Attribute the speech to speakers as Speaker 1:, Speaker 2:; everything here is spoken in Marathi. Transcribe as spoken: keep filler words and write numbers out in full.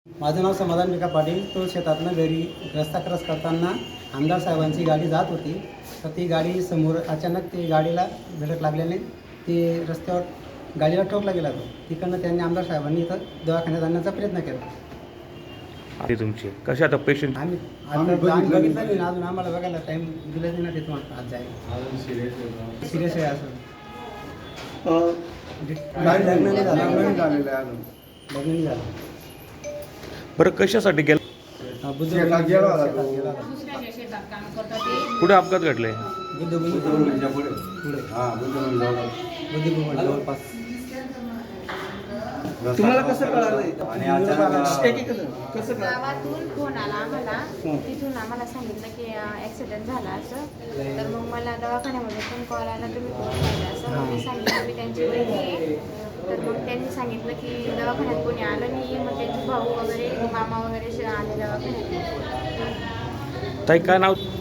Speaker 1: माझं नाव समाधान विका पाटील. तो शेतातनं घरी रस्ता क्रॉस करताना आमदार साहेबांची गाडी जात होती. तर ती गाडी समोर अचानक ती गाडीला धडक लागल्याने ती रस्त्यावर गाडीला ठोकला गेला. तो तिकडनं त्यांनी आमदार साहेबांनी इथं दवाखान्यात आणण्याचा प्रयत्न केला.
Speaker 2: ते तुमची कशी आता पेशंट
Speaker 1: आम्ही आता बघितलं नाही ना, अजून आम्हाला बघायला टाईम दिला नाही ना तिथून आज जायला. सिरियस आहे असं. लग्न नाही झालं, लग्न नाही झालेलं आहे अजून, लग्न नाही झालं.
Speaker 2: बरं कशासाठी गेला?
Speaker 1: बुद्ध गेला होता.
Speaker 2: कुठे अपघात घडले?
Speaker 1: बुद्ध बुद्ध पुढे हां बुद्ध बुद्ध जवळपास.
Speaker 3: तुम्हाला कसं कळालं?
Speaker 1: आणि अचानक
Speaker 3: कसं
Speaker 4: गावातून फोन आला आम्हाला. तिथून आम्हाला सांगितलं की ॲक्सिडेंट झाला असं. तर मग मला दवाखान्यामध्ये पण कॉल आला, तुम्ही कोण झालं असं. मग मी सांगितलं मी त्यांची बहिणी आहे. तर मग त्यांनी सांगितलं की दवाखान्यात कोणी आलं नाही. मग त्यांचे भाऊ वगैरे मामा वगैरे आले दवाखान्यात.
Speaker 2: ताई काय नाव?